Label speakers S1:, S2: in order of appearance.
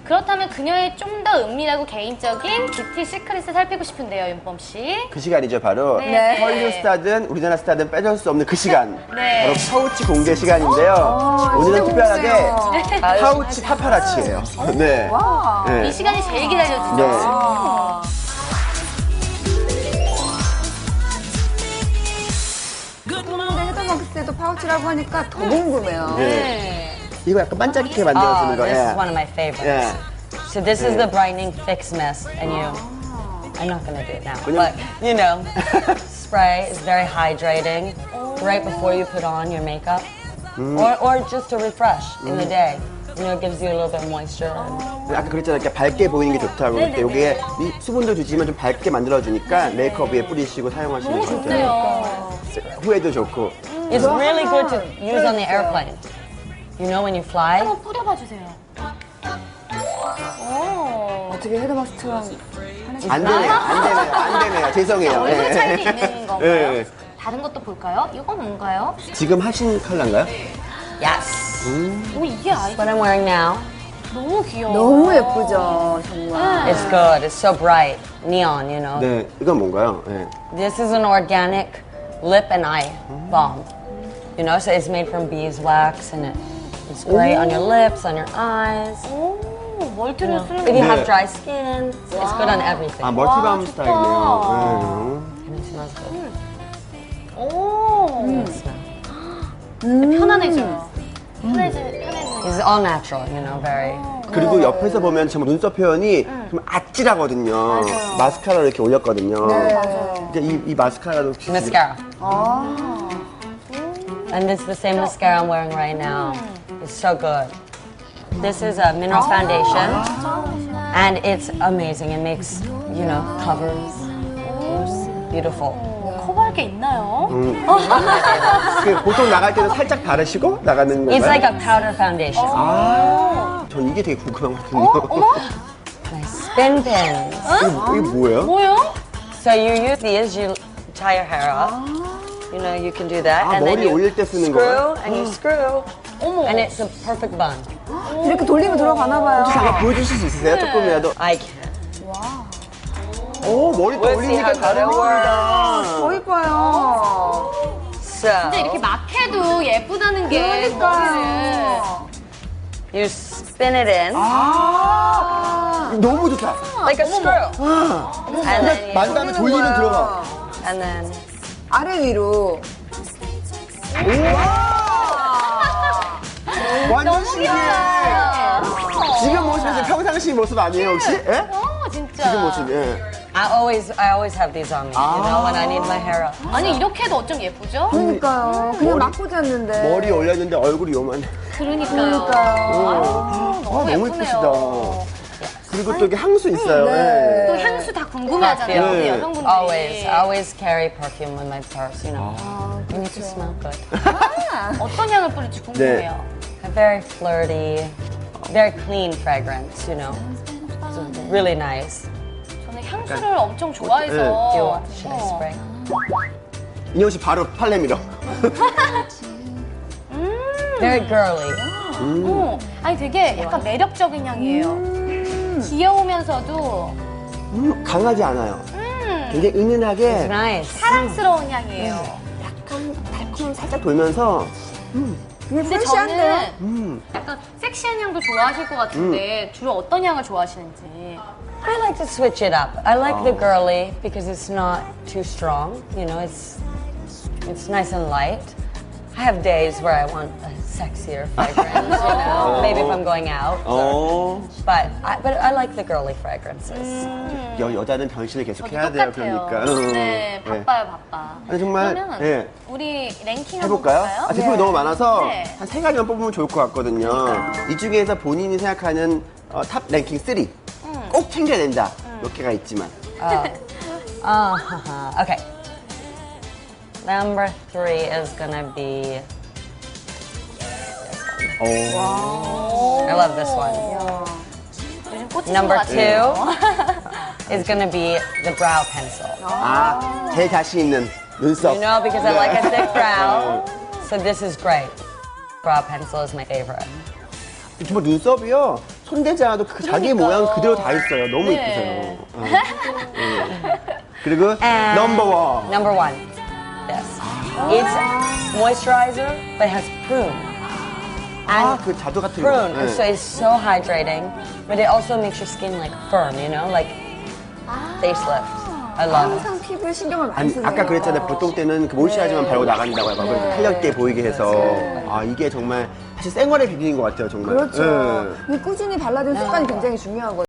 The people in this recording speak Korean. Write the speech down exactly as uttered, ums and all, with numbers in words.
S1: 그렇다면 그녀의 좀 더 은밀하고 개인적인 뷰티 시크릿을 살피고 싶은데요, 윤범 씨.
S2: 그 시간이죠, 바로.
S1: 네.
S2: 헐리우드 스타든 우리나라 스타든 빼줄 수 없는 그 시간.
S1: 네.
S2: 바로 파우치 공개 시간인데요.
S3: 어,
S2: 오늘은
S3: 진짜
S2: 특별하게
S3: 궁금해요.
S2: 파우치 파파라치예요. 네.
S3: 와.
S2: 네.
S1: 이 시간이 제일 기다려지죠.
S2: 네.
S1: 아.
S3: 근데 헤더벅스 때도 파우치라고 하니까 더 궁금해요.
S1: 네.
S2: 이거 약간 반짝이게 만들어주는
S4: Oh, this
S2: 거예요.
S4: is one of my favorites.
S2: 예.
S4: So this is
S2: Yeah.
S4: the brightening fix mist, and you. I'm not gonna do it now,
S2: Well,
S4: but you know, spray is very hydrating right before you put on your makeup, or or just to refresh in the day. You know, it gives you a little bit of moisture.
S2: 아까 그랬잖아요. 이렇게 밝게 보이는 게 좋다고. 근데 여기에 이 수분도 주지만 좀 밝게 만들어주니까 메이크업 위에 뿌리시고 사용하시는
S1: 너무
S2: 것 같아요.
S1: 좋네요.
S2: 후에도 좋고.
S4: It's really good to use on the airplane. You know, when you fly.
S1: 한번 뿌려봐 주세요. 오.
S3: 어떻게 헤더벅스처럼
S2: 안 되네요. 안 되네요. 안 되네요. 죄송해요.
S1: 얼굴
S2: 예.
S1: 차이도 있는 건가요?
S2: 예.
S1: 다른 것도 볼까요? 이건 뭔가요?
S2: 지금 하신 컬러인가요?
S4: Yes.
S1: 오, 이게 아이디
S4: What I'm wearing now.
S1: 너무 귀여워.
S3: 너무 예쁘죠, 정말.
S4: It's good. It's so bright, neon. You know.
S2: 네. 이건 뭔가요? 예.
S4: This is an organic lip and eye balm. You know, so it's made from beeswax, and it, it's great on your lips, on your eyes.
S1: 오, 멀티를 쓰는
S4: If you
S2: 네.
S4: have dry skin, it's good on everything.
S2: 아, 멀티밤
S1: 와, 좋다.
S2: 스타일이네요.
S4: And it smells good.
S1: 오.
S4: It smells.
S1: 편안해져요. 편해지, 편해지는.
S4: It's all natural, you know, very.
S2: 예. 그리고 옆에서 보면 정말 눈썹 표현이 좀 아찔하거든요. 마스카라를 이렇게 올렸거든요.
S3: 맞아요.
S2: 이제 이, 이 마스카라도 혹시
S4: Mascara.
S3: 아.
S4: And it's the same mascara I'm wearing right now. It's so good. This is a mineral foundation, and it's amazing. It makes, you know, covers. It's beautiful.
S1: 커버할 게 있나요?
S2: 그 보통 나갈 때는 살짝 바르시고 나가는 건가요?
S4: It's like a powder foundation.
S2: 아, 전 이게 되게 궁금하거든요.
S1: 어머?
S4: Nice spin pins.
S2: 이게, 이게 뭐예요?
S1: 뭐요?
S4: So you use these, you tie your hair up. You know, you can do that.
S2: 아,
S4: and then
S2: 머리
S4: you
S2: 올릴 때 쓰는
S4: screw,
S2: 거예요?
S4: and you screw.
S1: 어머.
S4: And it's a perfect bun.
S3: 이렇게 돌리면 들어가나 봐요.
S2: 잠깐 보여주실 수 있으세요? 조금이라도.
S4: I can.
S2: 오, 머리 또
S4: We'll see
S2: 올리니까
S4: how good it
S2: 다릅니다.
S4: works.
S3: 더 이뻐요.
S4: So
S1: 근데 이렇게 막 해도 예쁘다는 게
S3: 그러니까요.
S4: you spin it in
S2: 아, 너무 좋다.
S4: like a screw. And then you,
S2: 만 다음에 돌리면 들어가.
S4: and then
S3: 아래 위로.
S2: 완전 신기해.
S1: 귀여워요.
S2: 지금 모습이 평상시 모습 아니에요, 혹시? 예?
S1: 어, 진짜.
S2: 지금 모습, 예.
S4: I always I always have these on me. You know, when I need my hair up.
S1: 아니, 이렇게 해도 어쩜 예쁘죠?
S3: 그러니까요. 그냥 막 꽂았는데.
S2: 머리 올렸는데 얼굴이 요만해.
S1: 그러니까요.
S3: 그러니까요.
S1: 아유,
S2: 아,
S1: 너무
S2: 너무
S1: 예쁘네요.
S2: 예쁘시다. 그리고 또 이게 향수 있어요.
S3: 네.
S1: 또 향수 다 궁금해하잖아요,
S2: 네.
S1: 우리 여성분들이.
S4: Always, I always carry perfume with my purse. You know, you need to smell good.
S1: 어떤 향을 뿌릴지 궁금해요.
S4: A very flirty, very clean fragrance. You know, it's really nice.
S1: 저는 향수를 엄청 좋아해서.
S4: Do you want? Should I
S1: 어.
S4: spray?
S2: 인형 씨 바로 팔레 밀어.
S4: Very girly.
S1: 어, 아니 되게 약간 매력적인 향이에요. 귀여우면서도
S2: 음, 강하지 않아요.
S1: 음,
S2: 굉장히 은은하게
S4: Nice.
S1: 사랑스러운 향이에요.
S2: 약간 달콤 살짝 돌면서
S3: 그게
S1: 근데
S3: 프레시한데요?
S1: 저는
S2: 음.
S1: 약간 섹시한 향도 좋아하실 것 같은데 주로 어떤 향을 좋아하시는지.
S4: I like to switch it up. I like the girly because it's not too strong. You know, it's it's nice and light. I have days where I want a sexier fragrance. You know, maybe if I'm going out.
S2: 어.
S4: But I, but I like the girly fragrances.
S2: 여, 여자는 변신을 계속
S1: 저도
S2: 해야 돼요,
S1: 똑같아요.
S2: 그러니까. 응,
S1: 네,
S2: 응.
S1: 바빠요, 바빠.
S2: 아니, 정말,
S1: 그러면
S2: 예.
S1: 우리 랭킹 한번
S2: 해볼까요?
S1: 볼까요?
S2: 아, 제품이 너무 많아서
S1: 네.
S2: 한 세 가지만 뽑으면 좋을 것 같거든요. 이 중에서 본인이 생각하는 어, 탑 랭킹 삼. 꼭 챙겨야 된다. 몇 개가 있지만.
S4: Uh, uh, okay. Number three is gonna be.
S2: 오.
S4: I love this one.
S1: 요즘 꽂히신
S4: Number
S1: 것 같아요.
S4: two is gonna be the brow pencil.
S2: 아, 제 자신 있는 눈썹.
S4: You know, because I like a thick brow, so this is great. Brow pencil is my favorite.
S2: 정말 눈썹이요. 손대지 않아도 그 자기 모양 그대로 다 있어요. 너무
S1: 네.
S2: 이쁘세요. 어. 네. 그리고
S4: And
S2: 넘버 원.
S4: Number one. This. It's moisturizer, but it has prune.
S2: 아, 그 자두 같은 거.
S4: Prune.
S2: 네.
S4: So it's so hydrating, but it also makes your skin like firm, you know, like facelift. I love it.
S3: 항상 피부에 신경을 많이
S2: 아니,
S3: 쓰세요.
S2: 아까 그랬잖아요. 보통 때는 그 모이스처라이저만 바르고 나간다고 해요.
S3: 네.
S2: 탄력 있게 보이게 해서. 아, 이게 정말 사실 생활의 비밀인 것 같아요, 정말.
S3: 그렇죠.
S2: 네.
S3: 이 꾸준히 발라주는 습관이 굉장히 중요하거든요.